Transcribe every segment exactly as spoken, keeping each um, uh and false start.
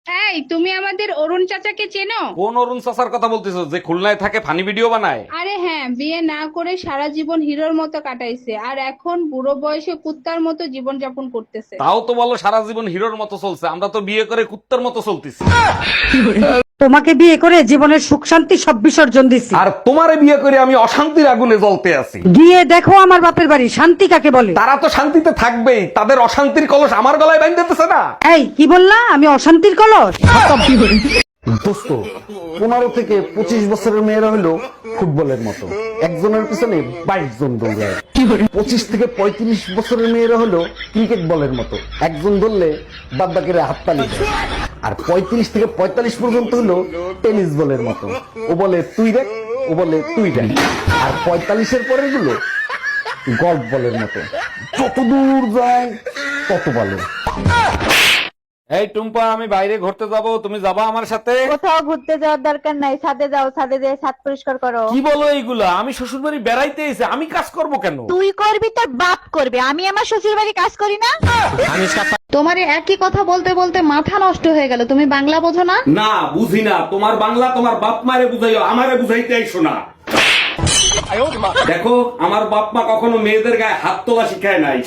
এই তুমি আমাদের অরুণ চাচাকে চেনো? কোন অরুণ চাচার কথা বলতেছো যে খুলনায় থাকে ফানি ভিডিও বানায়? আরে হ্যাঁ, বিয়ে না করে সারা জীবন হিরোর মতো কাটাইছে আর এখন বুড়ো বয়সে কুত্তার মতো জীবন যাপন করতেছে। তাও তো বলো সারা জীবন হিরোর মতো চলছে, আমরা তো বিয়ে করে কুত্তার মতো চলতেছি। তোমাকে বিয়ে করে জীবনের সুখ শান্তি সব বিসর্জন দিছি। আর তোমারে বিয়ে করে আমি অশান্তির আগুনে জ্বলতে আছি। গিয়ে দেখো আমার বাপের বাড়ি শান্তি কাকে বলে। তারা তো শান্তিতে থাকবেই, তাদের অশান্তির কলস আমার গলায় বাইন্ধেতেছে না। এই কি বললা? আমি অশান্তির কলস? দোস্ত, পনেরো থেকে পঁচিশ বছরের মেয়েরা হলো ফুটবলের মতো, একজনের পিছনে বাইশ জন দৌড়ায়। পঁচিশ থেকে পঁয়ত্রিশ বছরের মেয়েরা হলো ক্রিকেট বলের মতো, একজন ধরলে বাদ বাকিরা হাততালি দেয়। আর পঁয়ত্রিশ থেকে পঁয়তাল্লিশ পর্যন্ত হলো টেনিস বলের মতো, ও বলে তুই দেখ, ও বলে তুই দেখ। আর পঁয়তাল্লিশের পরের গুলো গল্ফ বলের মতো, যত দূর যায় তত ভালো। এই টুম্পা, আমি বাইরে ঘুরতে যাব, তুমি যাবা আমার সাথে? কোথাও ঘুরতে যাওয়ার দরকার নাই, ছাদে যাও, ছাদে যেয়ে ছাদ পরিষ্কার করো। কি বলো এইগুলা? আমি শ্বশুর বাড়ি বেড়াইতে এসে আমি কাজ করব কেন? তুই করবি, তোর বাপ করবে, আমি আমার শ্বশুর বাড়ি কাজ করি না। তোমারে একই কথা বলতে বলতে মাথা নষ্ট হয়ে গেল, তুমি বাংলা বোঝো না? না, বুঝি না। তোমার বাংলা তোমার বাপ মারে বুঝাইও, আমারে বুঝাইতে আইসো না। দেখো, আমার বাপ মা কখনো মেয়েদের গায়ে হাত তোলা শিখায় নাই।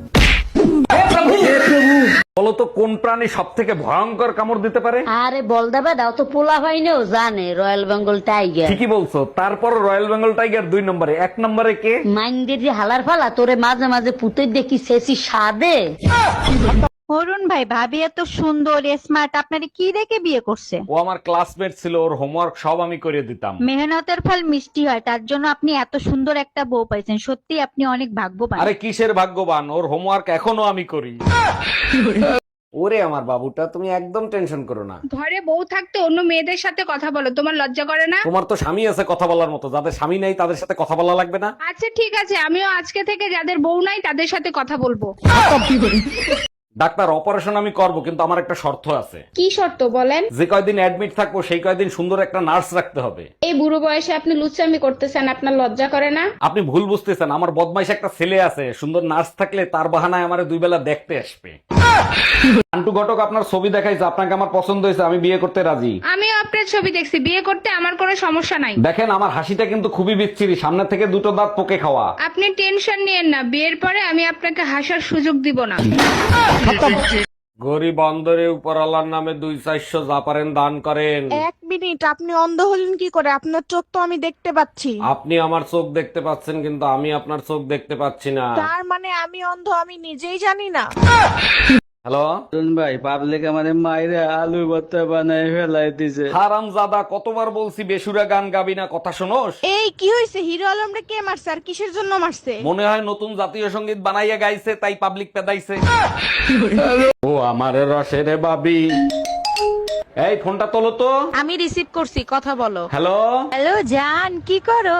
বলো তো কোন প্রাণী সব থেকে ভয়ঙ্কর কামড় দিতে পারে? আরে বল দেবে দাও তো, পোলা ভাইনেও জানে রয়্যাল বেঙ্গল টাইগার। ঠিকই বলছো, তারপর রয়্যাল বেঙ্গল টাইগার দুই নম্বরে, এক নম্বরে কে? মাইন্ডের যে হালার ফালা তোরে মাঝে মাঝে পুতে দেখি শেষি সাদে। অরুণ ভাই, ভাবি এত সুন্দর স্মার্ট, আপনারে কি দেখে বিয়ে করছে? ও আমার ক্লাসমেট ছিল, ওর হোমওয়ার্ক সব আমি করে দিতাম। মেহনতের ফল মিষ্টি হয়, তার জন্য আপনি এত সুন্দর একটা বউ পাইছেন, সত্যি আপনি অনেক ভাগ্যবান। আরে কিসের ভাগ্যবান, ওর হোমওয়ার্ক এখনো আমি করি। ওরে আমার বাবুটা, তুমি একদম টেনশন করো না। ঘরে বউ থাকতে অন্য মেয়েদের সাথে কথা বলো, তোমার লজ্জা করে না? তোমার তো স্বামী আছে কথা বলার মতো, যাদের স্বামী নাই তাদের সাথে কথা বলা লাগবে না? আচ্ছা ঠিক আছে, আমিও আজকে থেকে যাদের বউ নাই তাদের সাথে কথা বলবো। ডাক্তার, অপারেশন আমি করব, কিন্তু আমার একটা শর্ত আছে। কি শর্ত বলেন? যে কয়দিন অ্যাডমিট থাকবো সেই কয়দিন সুন্দর একটা নার্স রাখতে হবে। এই বুড়ো বয়সে আপনি লুচ্চামি করতেছেন, আপনার লজ্জা করে না? আপনি ভুল বুঝতেছেন, আমার বদমাইশ একটা ছেলে আছে, সুন্দর নার্স থাকলে তার বাহানায় আমার দুই বেলা দেখতে আসবে। আন্টু ঘটক আপনার ছবি দেখাইছে, আপনাকে আমার পছন্দ হয়েছে, আমি বিয়ে করতে রাজি। আমিও আপনার ছবি দেখছি, বিয়ে করতে আমার কোনো সমস্যা নাই। দেখেন আমার হাসিটা কিন্তু খুবই বিচ্ছিরি, সামনে থেকে দুটো দাঁত পোকে খাওয়া। আপনি টেনশন নিয়েন না, বিয়ের পরে আমি আপনাকে হাসার সুযোগ দিব না। গরিব অন্দরে উপরওয়ালার নামে দুই চারশো যা পারেন দান করেন। এক মিনিট, আপনি অন্ধ হলেন কি করে? আপনার চোখ তো আমি দেখতে পাচ্ছি। আপনি আমার চোখ দেখতে পাচ্ছেন, কিন্তু আমি আপনার চোখ দেখতে পাচ্ছি না। তার মানে আমি অন্ধ, আমি নিজেই জানি না। হ্যালো ভাই, পাবলিক আমাদের মাইরে আলু ভর্তা বানাই ফেলাই দিছে। হারাম জাদা, কতবার বলছি বেসুরা গান গাবি না, কথা শোনোস? এই কি হয়েছে? হিরো আলমরে কে মারছে আর কিসের জন্য মারছে? মনে হয় নতুন জাতীয় সঙ্গীত বানাইয়া গাইছে, তাই পাবলিক পেদাইছে। ও আমার রসের বাবি, এই ফোনটা তোলো তো। আমি রিসিভ করছি, কথা বলো। হ্যালো হ্যালো জান, কি করো?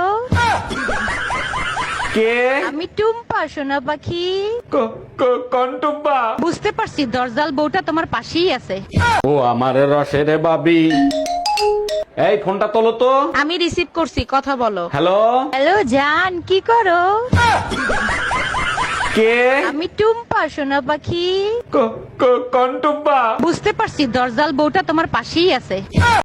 কে? আমি টুম্পা, সোনা পাখি। কন্টুব্বা। বুঝতে পারছি, দরজাল বউটা তোমার পাশেই আছে। ও আমার রসের বাবি, এই ফোনটা তোলো তো। আমি রিসিভ করছি, কথা বলো। হ্যালো হ্যালো জান, কি করো? কে? আমি টুম্পা, সোনা পাখি। কন্টুব্বা। বুঝতে পারছি, দরজাল বউটা তোমার পাশেই আছে।